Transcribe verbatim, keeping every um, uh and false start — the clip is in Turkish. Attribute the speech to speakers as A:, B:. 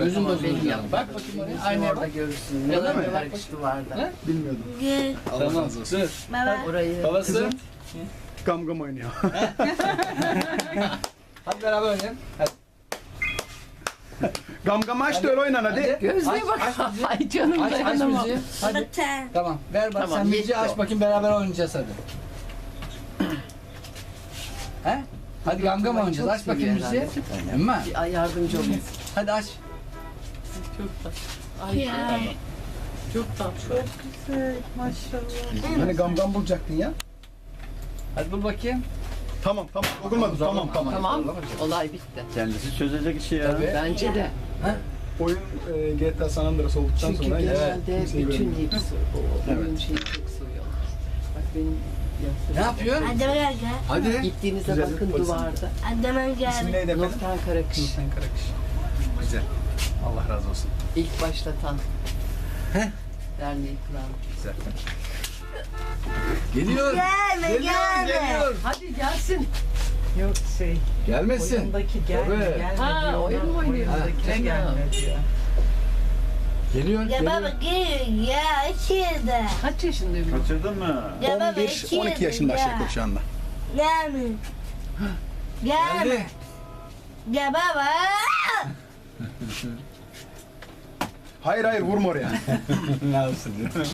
A: Gözün
B: Tamam,
A: bozulur
B: benim
A: canım.
B: yanım.
A: Bak bakayım oraya.
B: Aynı
A: Aynaya
B: orada
A: bak.
B: görürsün.
A: Öyle
B: Ne
A: mi?
B: kadar kış duvarda.
A: He?
C: Bilmiyordum.
D: Gel.
C: Allah
A: Tamam.
C: razı olsun.
A: Dur.
D: Baba.
B: Orayı.
A: Babası.
C: Kızım. Gam gam oynuyor.
A: Hadi beraber oynayalım. Hadi.
C: Gam gam aç da öyle oynan hadi.
B: Gözlüğe
A: Aç,
B: bak.
A: aç müziği.
B: Ay canım
A: Aç, aç
B: dayanamam.
A: müziği. Hadi.
D: Bata.
A: Tamam. Ver bak
B: Tamam,
A: sen müziği
B: yetti
A: aç
B: o.
A: bakayım beraber oynayacağız hadi. He? Hadi gam gam oynayacağız.
B: Çok
A: Aç bakayım
B: seviyor
A: müziği.
B: herhalde.
A: Emma.
B: Bir ay yardımcı olun.
A: Hadi aç.
B: Çok tatlı. Ay
D: Ya.
B: çok tatlı.
C: Hani gam gam bulacaktın ya.
A: Hadi bul bakayım.
C: Tamam tamam. Dokunmadım. Tamam tamam.
B: Tamam. Olay bitti.
E: Kendisi çözecek işi ya.
A: Tabii.
B: Bence de.
C: Oyun e, G T A San Andreas olduktan
B: Çünkü
C: sonra
B: genelde
C: kimseyi
B: bütün
C: görmedim.
B: hepsi o oyun şeyi çok seviyorlar. Bak benim
A: Ne yapıyor?
D: Adama gel.
A: Hadi.
B: gittiğinizde
C: Güzel,
B: bakın
C: polisim.
B: duvarda.
D: Adama
C: İsmi
D: gel.
C: neydi efendim?
B: Nurten Karakış.
C: Nurten Karakış. Güzel. Allah razı olsun.
B: İlk başlatan.
A: Heh.
B: Derneği kuran.
C: Güzel.
A: Geliyor.
D: Gelme,
A: Geliyor.
D: gelme.
A: Geliyor.
B: Hadi gelsin.
F: Yok şey,
A: Gelmesin.
F: oyundaki gelme,
A: Tabii.
F: gelme
B: Ha,
F: diyor.
B: oyun mu oynuyor?
F: Oyundakine
B: Ha,
F: gelme diyor.
A: Geliyor.
D: Ya
A: Geliyor.
D: baba gel ya içeride.
B: Kaç yaşında bir
E: Kaçırdın mı?
D: Ya baba
C: on bir on iki yaşında
D: ya.
C: Şevket şu anda.
D: Gelme. Gelme.
A: Geldi.
D: Ya baba.
C: Hayır hayır vurma oraya.
E: Ne yapsın?